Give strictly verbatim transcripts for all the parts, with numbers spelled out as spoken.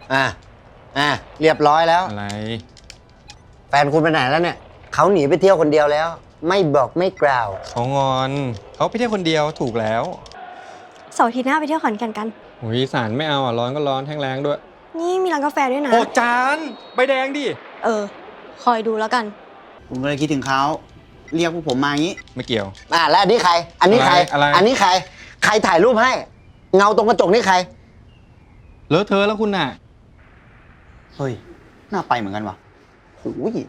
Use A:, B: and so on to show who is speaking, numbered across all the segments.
A: อ่ะอ่ะเรียบร้อยแล้ว
B: อะไร
A: แฟนคุณไปไหนแล้วเนี่ยเขาหนีไปเที่ยวคนเดียวแล้ว ไม่บอกไม่กล่าว
B: เขางอนเขาไปเที่ยวคนเดียวถูกแล้ว
C: เสาร์อาทิตย์หน้าไปเที่ยวขอนแก่นกัน
B: หุยสารไม่เอาอ่ะร้อนก็ร้อนแห้งแรงด้วย
C: นี่มีร้านกาแฟด้วยนะ
B: โอ้จานใบแดงดิ
C: เออ คอยดูแล้วกัน
D: ผมก็เลยคิดถึงเขาเรียกพวกผมมาอย่างนี้
B: ไม่เกี่ยว
A: อ่ะแล้วอันนี้ใคร อันนี้ใคร
B: อะไรอะไร
A: อันนี้ใคร ใครถ่ายรูปให้ เงาตรงกระจกนี่ใคร
B: เลอะเทอะแล้วคุณน่ะ
D: เฮ้ย น่าไปเหมือนกันว่ะโอ้ย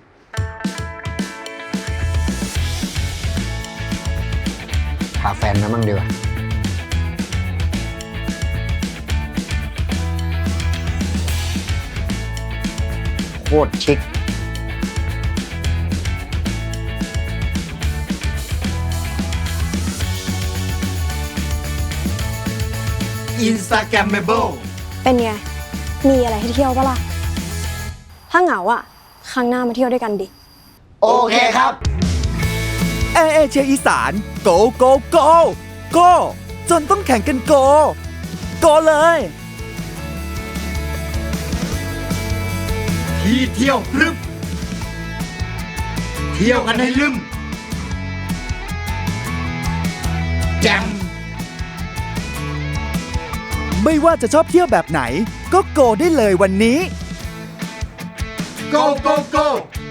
A: พาแฟนมามั่งดีกว่าโคตรชิค
D: อินสตาแกรมเมเบิล
C: เป็นไง มีอะไรให้เที่ยวปะล่ะ ถ้าเหงาอ่ะ ครั้งหน้ามาเที่ยวด้วยกันดิ
A: โอเคครับ
E: แอร์เอเชียอีสานโกโกโกโกจนต้องแข่งกันโกโกเลย
D: ที่เที่ยวพรึบเที่ยวกันให้ลืมแจม
E: ไม่ว่าจะชอบเที่ยวแบบไหน ก็โกได้เลยวันนี้
D: go go go